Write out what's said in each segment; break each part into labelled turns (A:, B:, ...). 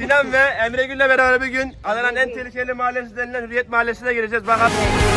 A: Sinan ve Emre Gül'le beraber bir gün Adana'nın en tehlikeli mahallesi denilen Hürriyet Mahallesi'ne gireceğiz. Bakalım.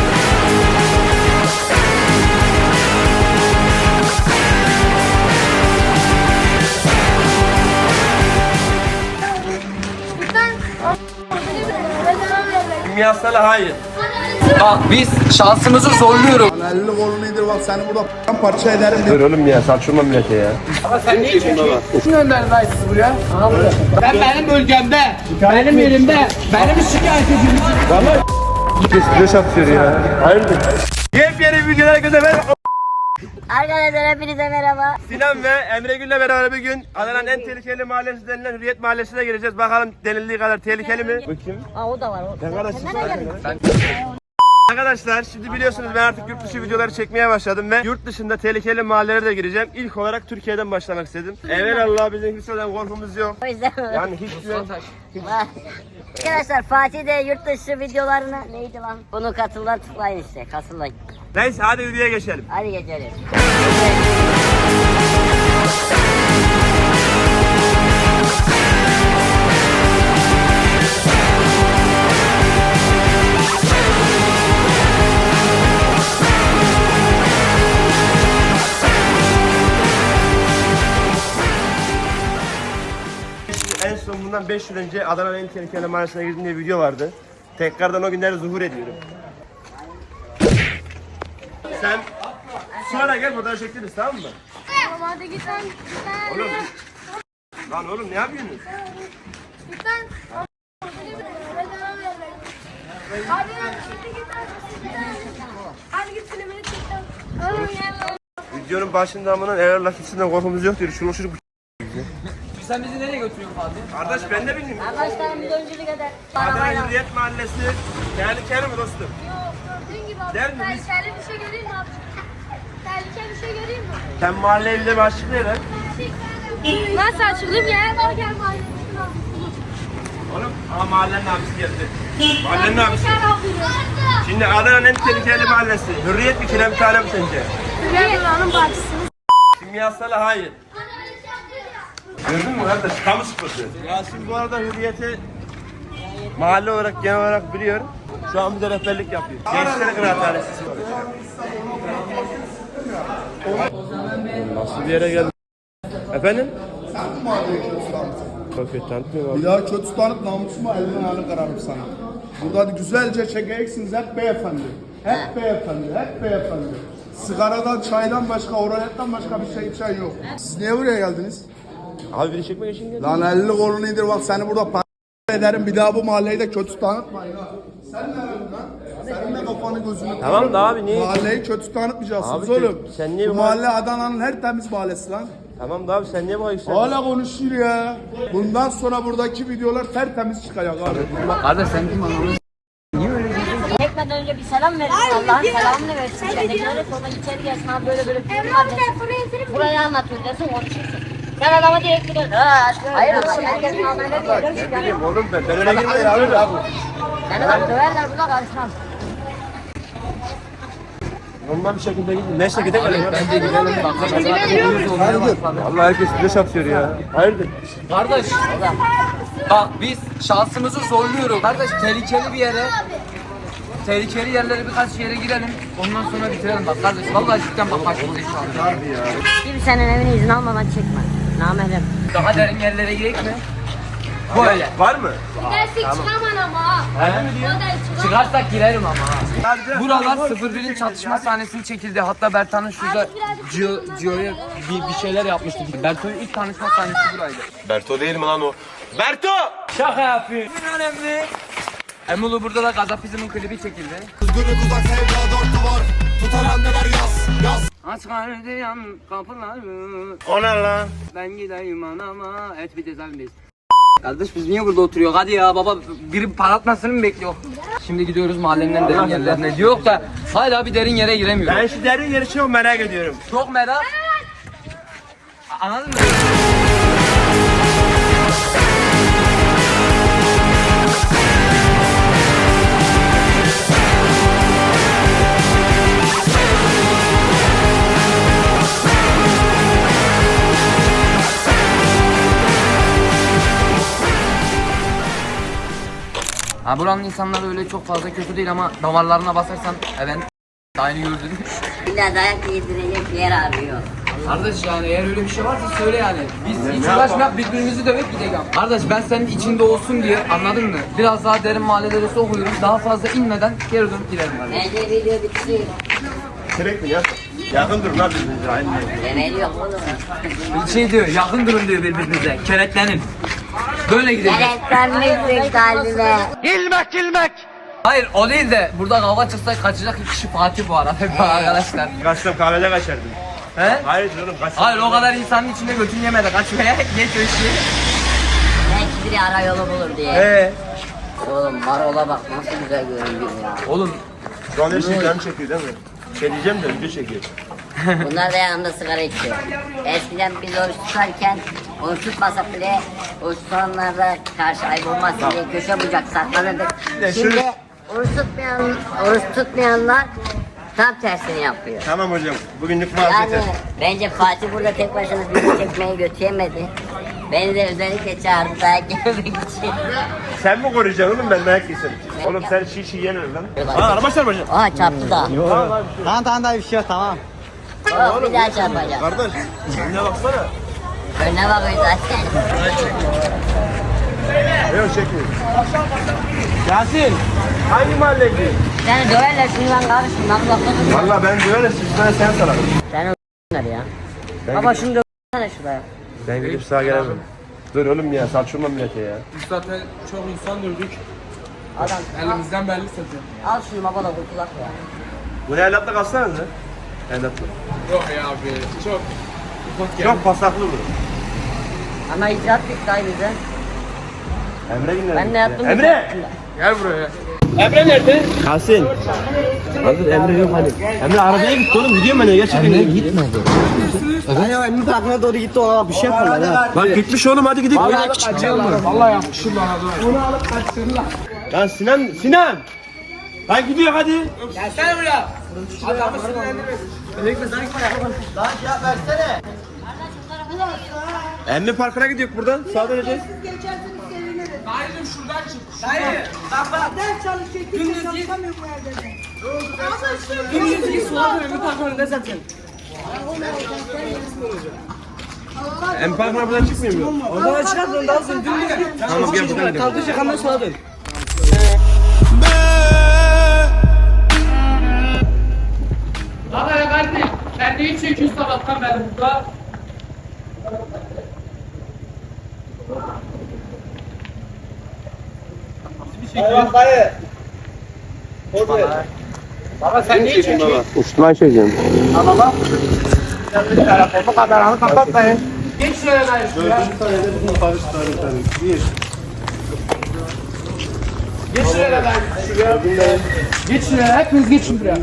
A: Kimyasalı hayır.
B: Bak biz şansımızı zorluyoruz.
C: Elini kolunu indir bak seni burada parça ederim.
A: Dur oğlum ya, saçma millete ya.
B: Ama sen ne içiyorsun? Kim gönderdi lan sizi buraya? Ben benim bölgemde, benim yerimde, benim şikayet ediyorum.
A: Vallahi stres atıyor ya. Hayırdır? Yepyeni videolara göze ver.
D: Arkadaşlar hepinize merhaba.
A: Sinan ve Emre Gül'le beraber bir gün Adana'nın en tehlikeli mahallesi denilen Hürriyet Mahallesi'ne gireceğiz. Bakalım denildiği kadar tehlikeli mi? Bakayım.
D: Aa o da var. O.
A: Sen kardeşsin.
D: Sen nereye geldin?
A: Arkadaşlar şimdi biliyorsunuz ben artık yurt dışı videoları çekmeye başladım ve yurt dışında tehlikeli mahallelere de gireceğim. İlk olarak Türkiye'den başlamak istedim. Evelallah bizim kimseden korkumuz yok.
D: O yüzden
A: Yani hiç yok.
D: Arkadaşlar Fatih de yurt dışı videolarına neydi lan? Bunu katılan tıklayın işte. Katılın.
A: Neyse hadi videoya geçelim.
D: Hadi geçelim.
A: En son bundan 5 yıl önce Adana'nın en tehlikeli mahallesine girdim diye bir video vardı. Tekrardan o günleri zuhur ediyorum. Sen sonra gel buradan çekeriz, tamam mı?
E: Tamam hadi git lan.
A: Oğlum. Lan oğlum ne yapıyorsunuz?
E: Git lan. Hadi lan git lan. Hadi git filmini çek lan. Oğlum gel lan.
A: Videonun başında amının eğer lakisinden korkumuz yok diyor. Şunu
B: Sen bizi nereye götürüyorsun Fatih?
A: Kardeş ben de bilmiyorum.
D: Arkadaşlar bir öncülük eder.
A: Adana
D: Arabayla.
A: Hürriyet Mahallesi tehlikeli mi dostum?
E: Gördüğün gibi abi.
A: Der miyiz?
E: Tehlikeli bir şey göreyim mi abi? Tehlikeli bir şey göreyim mi?
A: Sen mahalleyi bize bir açıklayın lan.
E: Nasıl açılayım ya? Bak gel mahallesine.
A: Oğlum ama mahallenin abisi geldi. Mahallenin abisi.
E: Gel abi.
A: Şimdi Adana'nın en tehlikeli mahallesi. Hürriyet mi kire bir tane mi sence?
E: Gel buranın bahçesine.
A: Kimyasalı hayır. Gördün mü kardeş? Kamu spotu. Ya şimdi bu arada Hürriyet'i mahalle olarak genel olarak biliyorum. Şu an bize rehberlik yapıyor. Gençler Kıraathanesi. Nasıl bir yere geldik? Efendim?
C: Sen mi mahalleyi kötü tanıtın?
A: Çok kötü tanıtmıyor
C: Bir daha kötü tanıt namusuma elini ayağını kararım sana. Burada güzelce çekeceksiniz hep beyefendi. Hep beyefendi, hep beyefendi. Sigaradan, çaydan başka, orayetten başka bir şey içen yok. Siz niye buraya geldiniz?
A: Abi beni çekmek için geldim.
C: Lan elini kolunu indir bak seni burada ederim. Bir daha bu mahalleyi de kötü tanıtmayın ha. Sen ne yapıyorsun lan? Senin de kafanı gözünü
A: Tamam da abi niye?
C: Mahalleyi kötü tanıtmayacaksınız
A: Abi
C: oğlum.
A: sen niye
C: bu
A: bu
C: mahalle Adana'nın her temiz mahallesi lan.
A: Tamam da abi sen niye bu ayı
C: Hala konuşuyor ya. Bundan sonra buradaki videolar tertemiz çıkacak abi.
B: Kardeş sen kim anladın?
D: Çekmeden önce bir selam verin. Allah'ın selamını versin. Kendine sonra içeri gelsin abi böyle böyle.
E: Emrah telefonu getirir mi?
D: Burayı anlatıyor desin konuşursun. Sen adama direkt gidiyorsun. Hayır oğlum herkes normalde diyor.
A: Oğlum ben öyle girmeyin abi.
D: Seni bak döverler burada karışmam.
A: Normal bir şekilde gidin. Neyse gidelim.
B: Bence gidelim bak.
A: Vallahi herkes stres atıyor ya. Hayırdır?
B: Kardeş bak biz şansımızı zorluyoruz. Kardeş tehlikeli bir yere, tehlikeli yerlere birkaç yere girelim. Ondan sonra bitirelim bak kardeş. Vallahi cidden bak başımıza iş var.
D: Kimsenin evine izin almadan çekme. Namerem.
B: Daha derin yerlere girek mi? Böyle.
A: Var mı?
E: Gidersek çıkamam ama ha.
B: Çıkarsak girerim ama ha. Buralar 01'in çatışma sahnesini çekildi. Hatta Bertan'ın şurada Gio'ya bir şeyler yapmıştı. Bertan'ın ilk tanışma sahnesi buraydı.
A: Berto değil mi lan o? Berto!
B: Şaka yapayım. Önemli. Emulu burada da Gazapizm'in klibi çekildi. Aç gardiyan kapıları.
A: O ne lan?
B: Ben gideyim anama et bir cezaevindeyiz. Kardeş biz niye burada oturuyor? Hadi ya baba biri parlatmasını mı bekliyor? Şimdi gidiyoruz mahallenin en derin yerlerine. Diyor da hala bir derin yere giremiyor.
A: Ben şu derin yeri çok merak ediyorum.
B: Çok merak. Anladın mı? Ha, buranın insanları öyle çok fazla kötü değil ama damarlarına basarsan evet aynı gördün.
D: İlla dayak yedirecek yer arıyor.
B: Kardeş yani eğer öyle bir şey varsa söyle yani. Biz hiç uğraşmayak birbirimizi dövüp gidelim. Kardeş ben senin içinde olsun diye anladın mı? Biraz daha derin mahallelere sokuyorum. Daha fazla inmeden geri dönüp gidelim kardeş.
D: Bence video bitti.
A: Direkt mi ya? Yakın durun lan birbirinize aynı.
D: Demeli yok oğlum.
B: Bir şey diyor yakın durun diyor birbirinize. Kenetlenin. Böyle gidelim.
D: Kenetlenmişsin kalbime.
B: Hayır o değil de burada kavga çıksa kaçacak iki kişi Fatih bu arada arkadaşlar.
A: Kaçtım kahvede kaçardım.
B: He?
A: Hayır oğlum kaçtım.
B: Hayır o kadar insanın içinde götün yemedi kaçmaya geç o işi.
D: Belki biri ara yolu bulur diye. Oğlum marola bak nasıl güzel görünüyor ya.
B: Oğlum
A: Şu an her şey canım çekiyor değil mi? Şey diyeceğim de video çekiyor.
D: Bunlar da yanında sigara içiyor. Eskiden biz oruç tutarken oruç tutmasak bile oruç tutanlarda karşı ayıp olmasın diye köşe bucak saklanırdık.
A: Ya
D: Şimdi
A: şöyle-
D: oruç tutmayanlar tam tersini yapıyor.
A: Tamam hocam. Bugünlük
D: Yani
A: vazgeçer.
D: bence Fatih burada tek başına video çekmeyi götüremedi. Beni de özellikle çağırdı dayak yememek için.
A: Sen mi koruyacaksın oğlum ben dayak yesin? Oğlum sen şişi yenir lan. Aa araba çarpacak.
D: Aha çarptı da.
F: Tamam daha bir şey yok tamam.
D: Oh, bir daha çarpacak.
A: Kardeş önüne baksana.
D: Önüne bakıyor zaten.
A: Yok çekmiyor. Yasin. Hangi mahalle gidiyor?
D: Seni döverler şundan karışın lan bakın.
A: Valla ben böyle sizden sen sararım.
D: Sen o**lar ya. Baba şunu dövsene şuraya.
A: Ben gidip sağa gelemem. Dur oğlum ya saçma millete ya.
G: Biz zaten çok insan dövdük.
D: Adam
G: Elimizden belli zaten.
D: al şunu baba da kurtulak ya.
A: Bu evlatla kalsanız ha? Evlatla.
G: Yok ya abi çok ufak geldi.
A: Çok pasaklı bu.
D: Ama icraat bitti ay bize.
A: Emre günler.
D: Ben ne yaptım?
A: Emre!
G: Gel buraya.
A: Yasin. Hazır Emre yok hani. Emre arabaya gitti oğlum gidiyor mu ne gerçekten? Emre gitmedi.
F: Ben ya Emre tarafına doğru gitti ona bir şey yaparlar ha.
A: Bak gitmiş oğlum hadi gidelim.
G: Vallahi yapmışım bana da. Bunu alıp kaçırırlar.
A: Lan Sinan! Lan gidiyor hadi.
G: Gelsene buraya. Adamı sinirlendirmesin.
A: Emre Parkı'na gidiyor buradan. Sağa döneceğiz.
G: Dayıcım şuradan çık. Dayı. Bak bak. Ders çalışacak. Gündüz git. Gündüz git. Sola dön. Bir park önünde zaten.
A: Emre Parkı'na buradan çıkmıyor mu?
G: Oradan çıkardın daha sonra dümdüz git.
A: Tamam gel buradan gidelim.
G: Kaldıracak hemen sola dön. Baba ya kardeşim. Sen neyi çekiyorsun sabahtan beri burada? Baba sen neyi çekiyorsun?
A: Uçtuman çekeceğim.
G: Telefonu kameranı kapatmayın. Geç şuraya dayı şuraya. Geç şuraya dayı şuraya. Geç şuraya hepiniz geçin buraya.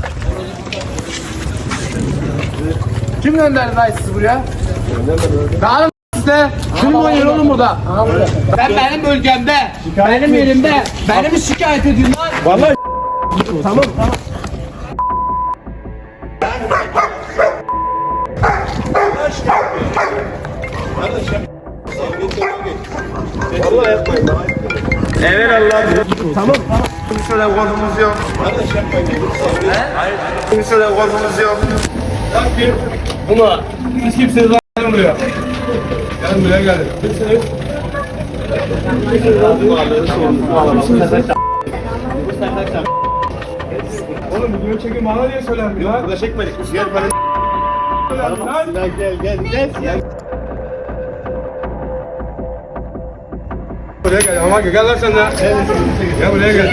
G: Kim gönderdi dayı sizi buraya? Dağılın size. Kim oynuyor oğlum burada? Ben benim bölgemde, benim yerimde, beni mi şikayet ediyorsun lan?
A: Vallahi tamam. Vallahi yapmayın. Evet Allah. Tamam. Kimseden korkumuz yok. Hayır. Kimseden korkumuz yok.
G: Bunu hiç kimseniz lan buraya. Gelin buraya gelin. Kimsiniz? Oğlum video çekin bana diye söylenmiyor
A: Yok
G: lan.
A: burada çekmedik. Biz yer falan. Gel.
G: Buraya gel ama gel lan sen de. Gel buraya gel.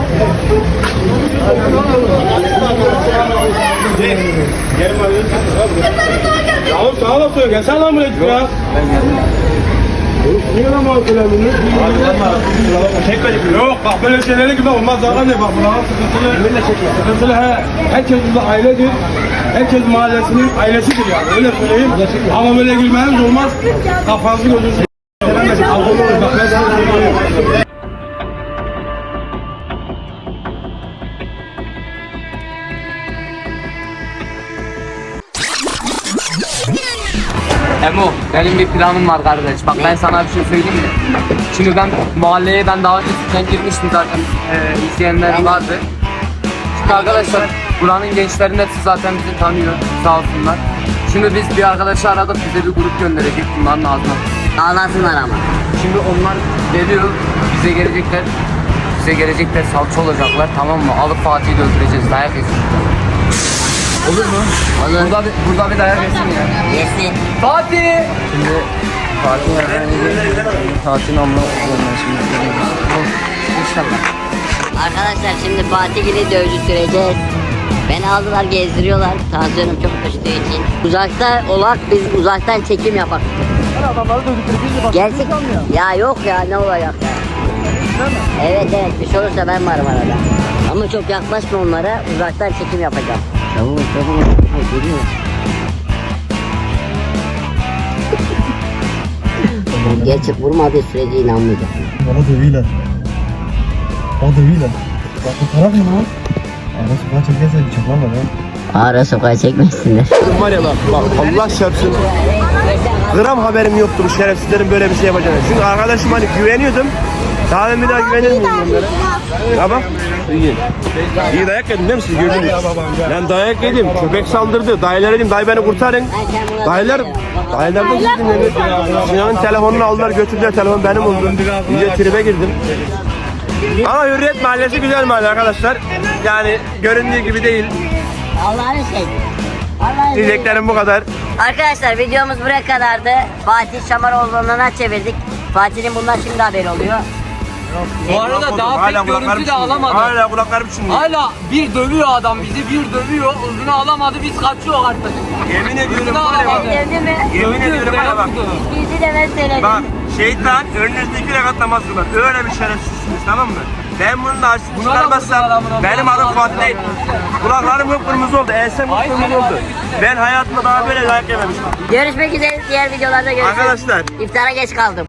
G: Ya oğlum sağa da söyle. Gelsene lan buraya ya. Niye lan bana söylemiyorsun?
A: Çekmedik.
G: Yok bak böyle şeylere gibi olmaz zaten ne bak bunlar sıkıntılı. Sıkıntılı he. Herkes burada ailedir. Herkes mahallesinin ailesidir yani öyle söyleyeyim. Ama böyle gülmeniz olmaz. Kafanızı gözünüzü sevemezsin. Alkohol olur bak ben sana söyleyeyim.
B: Emo Benim bir planım var kardeş. Bak ben sana bir şey söyleyeyim mi? Şimdi ben mahalleye daha önceden girmiştim zaten. İzleyenler vardı. Şimdi arkadaşlar buranın gençlerin hepsi zaten bizi tanıyor. Sağ olsunlar. Şimdi biz bir arkadaşı aradık. Bize bir grup gönderecek bunların ağzına.
D: Ağlasınlar ama.
B: Şimdi onlar geliyor. Bize gelecekler. Bize gelecekler, salça olacaklar, tamam mı? Alıp Fatih'i de öldüreceğiz, dayak yesin. Olur mu?
D: Olur.
B: Burada bir dayak yesin ya.
D: Yesin.
B: Fatih!
F: Şimdi Fatih Fatih'in amına koyuyorum şimdi.
D: İnşallah. Arkadaşlar şimdi Fatih gibi dövücü süreceğiz. Beni aldılar gezdiriyorlar. Tansiyonum çok düştüğü için. Uzakta olak biz uzaktan çekim yapak.
F: Adamları dövdükleri
D: Gerçek ya yok ya ne olacak ya. Evet bir şey olursa ben varım arada. Ama çok yaklaşma onlara uzaktan çekim yapacağım. Tamam geliyor. Gerçek vurmadığı sürece inanmayacağım.
F: Bana dövüyorlar. Bana dövüyorlar. Bak bu taraf mı lan? Ara sokağa çekerse bir çaklan var ya.
D: Ara sokağa çekmesinler.
A: Var ya bak Allah çarpsın. Gram haberim yoktu bu şerefsizlerin böyle bir şey yapacağını. Çünkü arkadaşım hani güveniyordum. Daha ben bir daha güvenir miyim onlara? Ya bak. İyi. İyi dayak yedim değil mi siz gördünüz? Ben dayak yedim. Köpek saldırdı. Dayılar dedim dayı beni kurtarın. Dayılar da gittim. Sinan'ın telefonunu aldılar götürdüler. Telefon benim oldu. İyice tribe girdim. Ama Hürriyet Mahallesi güzel mahalle arkadaşlar. Yani göründüğü gibi değil.
D: Allah'ın şey. Allah'ın
A: Diyeceklerim bu kadar.
D: Arkadaşlar videomuz buraya kadardı. Fatih Şamaroğlu'na çevirdik. Fatih'in bundan şimdi haberi oluyor.
B: Bu arada daha pek görüntü de alamadı.
A: Hala kulaklarım çınlıyor.
B: Hala bir dövüyor adam bizi, bir dövüyor. Uzunu alamadı, biz kaçıyor artık.
A: Yemin ediyorum
B: Uzunu
A: var ya bak.
B: alamadı.
D: Sevdi mi?
A: Yemin ediyorum var ya bak.
D: Bizi de ben söyledim.
A: Bak şeytan önünüzde 2 rekat namaz kılar. Öyle bir şerefsizsiniz tamam mı? Ben bunu da açıp
B: Buna da
A: çıkarmazsam
B: vurdular amına.
A: benim
B: Buna da
A: adım Fatih değil. Kulaklarım kıpkırmızı oldu. Ensem kıpkırmızı oldu. Ben hayatımda daha böyle dayak yememiştim.
D: Görüşmek üzere diğer videolarda görüşürüz.
A: Arkadaşlar.
D: İftara geç kaldım.